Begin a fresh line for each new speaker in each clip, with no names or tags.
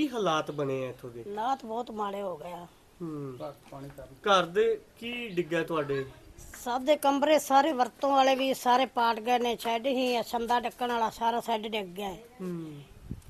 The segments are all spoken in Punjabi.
ਕੀ ਹਾਲਾਤ ਬਣੇ ਆ ਇੱਥੋਂ ਦੇ?
ਹਾਲਾਤ ਬਹੁਤ ਮਾੜੇ ਹੋ ਗਏ ਆ।
ਘਰ ਦੇ ਕੀ ਡਿੱਗਾ ਤੁਹਾਡੇ?
ਸਭ ਦੇ ਕਮਰੇ ਸਾਰੇ ਵਰਤੋਂ ਵਾਲੇ ਵੀ ਸਾਰੇ ਪਾਟ ਗਏ ਨੇ। ਸ਼ੈੱਡ ਹੀ ਸੰਦਾ ਢੱਕਣ ਵਾਲਾ ਸਾਰਾ ਸ਼ੈੱਡ ਡਿੱਗ ਗਿਆ ਹੈ।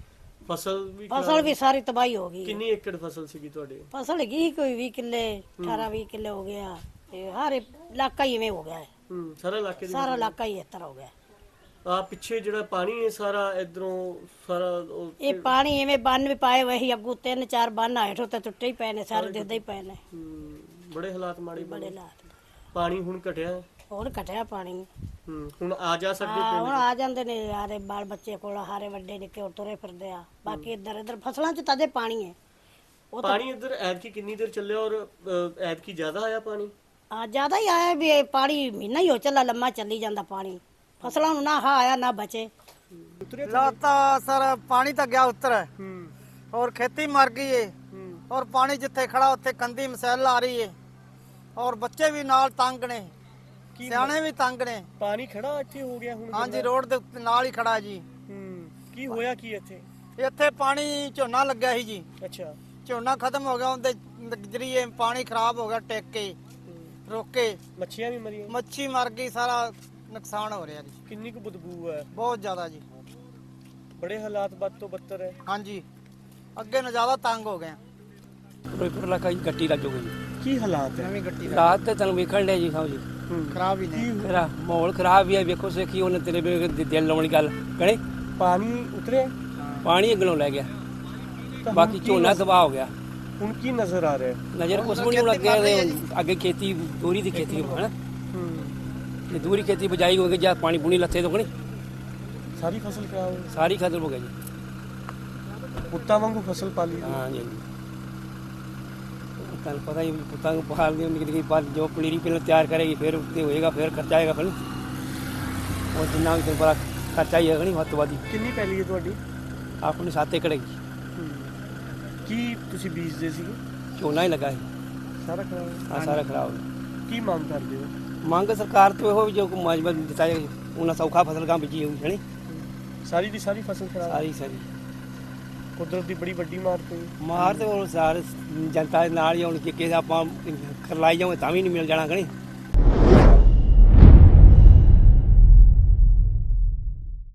ਫਸਲ ਵੀ ਸਾਰੀ ਤਬਾਹੀ ਹੋ ਗਈ।
ਕਿੰਨੀ ਏਕੜ ਫਸਲ ਸੀਗੀ ਤੁਹਾਡੇ?
ਫਸਲ ਹੈਗੀ ਕੋਈ 20 ਕਿੱਲੇ 18-20 ਕਿੱਲੇ ਹੋ ਗਿਆ। ਤੇ ਹਰ ਇਲਾਕਾ ਹੀ ਇਵੇਂ ਹੋ ਗਿਆ ਹੈ। ਸਾਰਾ ਇਲਾਕਾ ਹੀ ਇਸ ਤਰ੍ਹਾਂ ਹੋ ਗਿਆ।
ਆ ਪਿੱਛੇ ਜਿਹੜਾ ਪਾਣੀ ਹੈ ਸਾਰਾ ਇਧਰੋਂ ਸਾਰਾ
ਇਹ ਪਾਣੀ ਇਵੇਂ ਬੰਨ ਵੀ ਪਾਏ ਹੋਏ ਸੀ ਅੱਗੂ 3-4 ਬੰਨ ਹੇਠੋਂ ਤੇ ਟੁੱਟੇ ਹੀ ਪਏ ਨੇ ਸਾਰੇ ਦਿਸਦੇ ਹੀ ਪਏ ਨੇ।
ਬੜੇ ਹਾਲਾਤ ਮਾੜੇ
ਬੜੇ ਹਾਲਾਤ।
ਪਾਣੀ ਹੁਣ ਘਟਿਆ?
ਹੁਣ ਘਟਿਆ ਪਾਣੀ।
ਹੁਣ ਆ ਜਾ ਸਕਦੇ
ਹੁਣ ਆ ਜਾਂਦੇ ਨੇ ਯਾਰੇ ਬਾਲ ਬੱਚੇ ਕੋਲ ਹਾਰੇ ਵੱਡੇ ਨਿੱਕੇ ਤੁਰੇ ਫਿਰਦੇ ਆ। ਬਾਕੀ ਇੱਧਰ ਫਸਲਾਂ 'ਚ ਤਾਜ਼ੇ ਪਾਣੀ ਹੈ।
ਪਾਣੀ ਇੱਧਰ ਐਤਕੀ ਕਿੰਨੀ ਦੇਰ ਚੱਲਿਆ ਔਰ ਐਤਕੀ ਜ਼ਿਆਦਾ ਆਇਆ ਪਾਣੀ?
ਜ਼ਿਆਦਾ ਹੀ ਆਇਆ ਵੀ ਇਹ ਪਾਣੀ ਮਹੀਨਾ ਹੀ ਹੋ ਚੱਲਾ ਲੰਮਾ ਚੱਲੀ ਜਾਂਦਾ ਪਾਣੀ। ਫਸਲਾਂ ਨੂੰ ਨਾ ਆਇਆ ਨਾ ਬਚੇ।
लाता सर पानी तो गया उत्तर और खेती मर गई है और पानी जिथे खड़ा उत्थे कंधी मसैल आ रही है और बच्चे भी नाल तंग ने सियाने भी तंग ने।
पानी खड़ा ਇੱਥੇ ਹੋ ਗਿਆ ਹੁਣ?
हाँ जी रोड ਦੇ ਉੱਤੇ ਨਾਲ ਹੀ ਖੜਾ ਜੀ।
ਕੀ ਹੋਇਆ ਕੀ ਇੱਥੇ?
ਇੱਥੇ ਪਾਣੀ ਝੋਨਾ ਲੱਗਿਆ ਸੀ ਜੀ।
ਅੱਛਾ।
ਝੋਨਾ ਖਤਮ ਹੋ ਗਿਆ ਉਹਦੇ ਜਰੀਏ ਪਾਣੀ ਖਰਾਬ ਹੋ ਗਿਆ ਟੇਕ ਕੇ ਰੋਕੇ।
ਮੱਛੀਆਂ ਵੀ ਮਰੀਆਂ?
ਮੱਛੀ ਮਰ ਗਈ ਸਾਰਾ ਨੁਕਸਾਨ ਹੋ ਰਿਹਾ ਜੀ।
ਕਿੰਨੀ ਕੁ ਬਦਬੂ ਹੈ?
ਬਹੁਤ ਜ਼ਿਆਦਾ ਜੀ।
ਬੜੇ ਹਾਲਾਤ ਬਦ ਤੋਂ ਬੱਤਰ ਹੈ।
ਹਾਂਜੀ ਅੱਗੇ ਨੂੰ ਜ਼ਿਆਦਾ ਤੰਗ ਹੋ ਗਏ।
ਫਿਰੋਜ਼ਪੁਰ ਇਲਾਕਾ ਜੀ ਗੱਟੀ ਲੱਗ ਗਈ।
ਕੀ ਹਾਲਾਤ ਹੈ?
ਨਵੀਂ ਗੱਟੀ
ਰਾਤ ਤੇ ਤੁਹਾਨੂੰ ਵੇਖਣ ਲਿਆ ਜੀ ਸਾਹਿਬ ਜੀ
ਖਰਾਬ ਹੀ ਨੇ।
ਮੇਰਾ ਮਾਹੌਲ ਖਰਾਬ ਵੀ ਹੈ। ਵੇਖੋ ਸੇਖੀ ਉਹਨੇ ਤੇਰੇ ਦਿਲ ਲਾਉਣ ਦੀ ਗੱਲ ਕਹਣੇ।
ਪਾਣੀ ਉਤਰਿਆ?
ਪਾਣੀ ਅਗਲੋਂ ਲੈ ਗਿਆ। ਬਾਕੀ ਝੋਨਾ ਤਬਾਹ ਹੋ ਗਿਆ।
ਹੁਣ ਕੀ ਨਜ਼ਰ ਆ ਰਿਹਾ?
ਨਜ਼ਰ ਕੁਛ ਵੀ ਨਹੀਂ ਲੱਗਿਆ। ਅੱਗੇ ਖੇਤੀ ਦੂਰੀ ਦੀ ਖੇਤੀ ਹੈ ਨਾ। ਇਹ ਦੂਰੀ ਖੇਤੀ ਬਜਾਈ ਹੋ ਗਈ ਜਾਂ ਪਾਣੀ ਪੂਣੀ ਲੱਥੇ ਤੋਂ ਕਣੀ
ਸਾਰੀ ਫਸਲ ਖਰਾਬ ਹੋ?
ਸਾਰੀ ਖਤਮ ਹੋ ਗਈ ਜੀ।
ਪੁੱਤਾਂ ਵਾਂਗੂ ਫਸਲ ਪਾਲੀ?
ਹਾਂ ਜੀ। ਤੁਹਾਨੂੰ ਪਤਾ ਹੀ ਪੁੱਤਾਂ ਨੂੰ ਪਾਲ ਦੀ ਨਿਕਲ ਪਰ ਜੋ ਪਨੀਰੀ ਪਹਿਲਾਂ ਤਿਆਰ ਕਰੇਗੀ ਫਿਰ ਉੱਤੇ ਹੋਏਗਾ ਫਿਰ ਖਰਚਾ ਆਏਗਾ। ਫਿਰ ਉਹ ਜਿੰਨਾ ਵੀ ਬੜਾ ਖਰਚਾ ਹੀ ਹੈਗਾ ਨਹੀਂ ਵੱਧ ਤੋਂ ਵੱਧ।
ਕਿੰਨੀ ਪੈਲੀ ਹੈ ਤੁਹਾਡੀ?
ਆਪਣੀ 7 ਏਕੜ ਹੈਗੀ।
ਕੀ ਤੁਸੀਂ ਬੀਜਦੇ ਸੀਗੇ?
ਝੋਨਾ ਹੀ ਲੱਗਾ ਸੀ।
ਸਾਰਾ ਖਰਾਬ?
ਹਾਂ ਸਾਰਾ ਖਰਾਬ ਹੋ ਗਿਆ।
ਕੀ ਮੰਗ ਕਰਦੇ ਹੋ?
ਮੰਗ ਸਰਕਾਰ ਤੋਂ ਇਹੋ ਵੀ ਜੋ ਮੁਆਵਜ਼ਾ ਦਿੱਤਾ ਜਾਏ ਉਹਨਾਂ ਸੌਖਾ ਫਸਲ ਗਾਂ ਬੀਜੀ ਹੋਈ ਹੈ ਨੀ।
ਸਾਰੀ ਦੀ ਸਾਰੀ ਫਸਲ ਖਰਾਬ?
ਸਾਰੀ
ਕੁਦਰਤ ਦੀ ਬੜੀ ਵੱਡੀ ਮਾਰ ਪਈ।
ਮਾਰ ਤੇ ਉਹ ਸਾਰੇ ਜਨਤਾ ਦੇ ਨਾਲ ਹੀ ਹੁਣ ਕਿਸੇ ਆਪਾਂ ਕਰਲਾਈ ਜਾਵੇ ਤਾਂ ਵੀ ਨਹੀਂ ਮਿਲ ਜਾਣਾ ਕਣੀ।